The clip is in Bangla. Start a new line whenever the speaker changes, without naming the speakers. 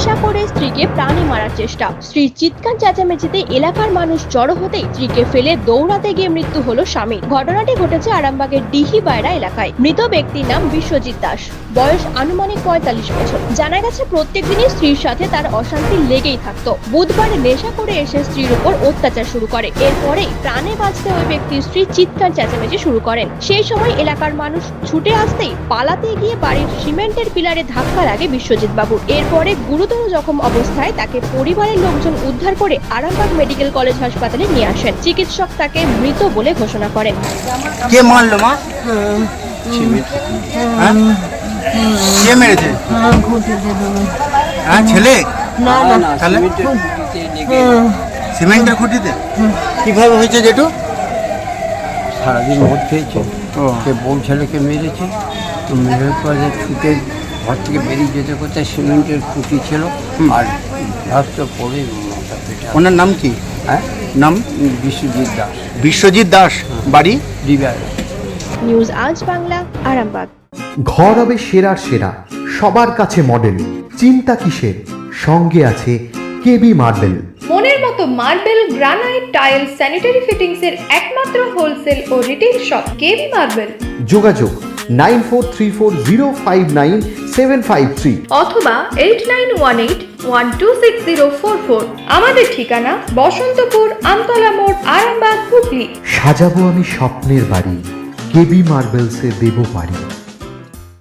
নেশা করে স্ত্রীকে প্রাণে মারার চেষ্টা। স্ত্রীর চিৎকার চেঁচামেচিতে এলাকার মানুষ জড়ো হতেই স্ত্রীকে ফেলে দৌড়াতে গিয়ে মৃত্যু হলো স্বামীর। ঘটনাটি ঘটেছে আরামবাগের ডিহিবায়রা এলাকায়। মৃত ব্যক্তির নাম বিশ্বজিৎ দাস, বয়স আনুমানিক ৪৫ বছর। জানা গেছে প্রত্যেকদিনই স্ত্রীর সাথে তার অশান্তি লেগেই থাকতো। বুধবার নেশা করে এসে স্ত্রীর উপর অত্যাচার শুরু করে। এরপরেই প্রাণে বাঁচতে ওই ব্যক্তির স্ত্রী চিৎকার চেঁচামেচি শুরু করেন। সেই সময় এলাকার মানুষ ছুটে আসতেই পালাতে গিয়ে বাড়ির সিমেন্টের পিলারে ধাক্কা লাগে বিশ্বজিৎ বাবুর। এরপরে গুরুতর জখম অবস্থায় তাকে পরিবারের লোকজন উদ্ধার করে আরামবাগ মেডিকেল কলেজ হাসপাতালে নিয়ে আসেন। চিকিৎসক তাকে মৃত বলে ঘোষণা করেন।
কে মারলো মা? কে মেরেছে? হ্যাঁ, ছেলে? তাহলে সিমেন্টের খুঁটিতে কিভাবে হয়েছে জেঠু?
সারাদিন মদ খেয়েছে, সে বউ ছেলেকে মেরেছে। তো মেরের পরে ছুটে ঘর থেকে বেরিয়ে যেতে কোথায় সিমেন্টের খুঁটি ছিল আর রাস্তা পড়ে মাথা পেটে।
ওনার নাম কি?
হ্যাঁ,
নাম
বিশ্বজিৎ দাস,
বিশ্বজিৎ দাস, বাড়ি
ডিবায়।
নিউজ আজ বাংলা, আরামবাগ।
ঘর হবে সেরার সেরা, সবার কাছে মডেল। চিন্তা কিসের? সঙ্গে আছে কেবি মার্বেল।
মনের মতো marble, granite, tile, sanitary fittings এর একমাত্র হোলসেল ও রিটেল শপ কেবি মার্বেল।
যোগাযোগ 9434059753
অথবা 8918126044। আমাদের ঠিকানা বসন্তপুর, আমতলা মোড়, আরামবাগ, হুগলি।
সাজাবো আমি স্বপ্নের বাড়ি, কেবি মার্বেলসে দেবো বাড়ি।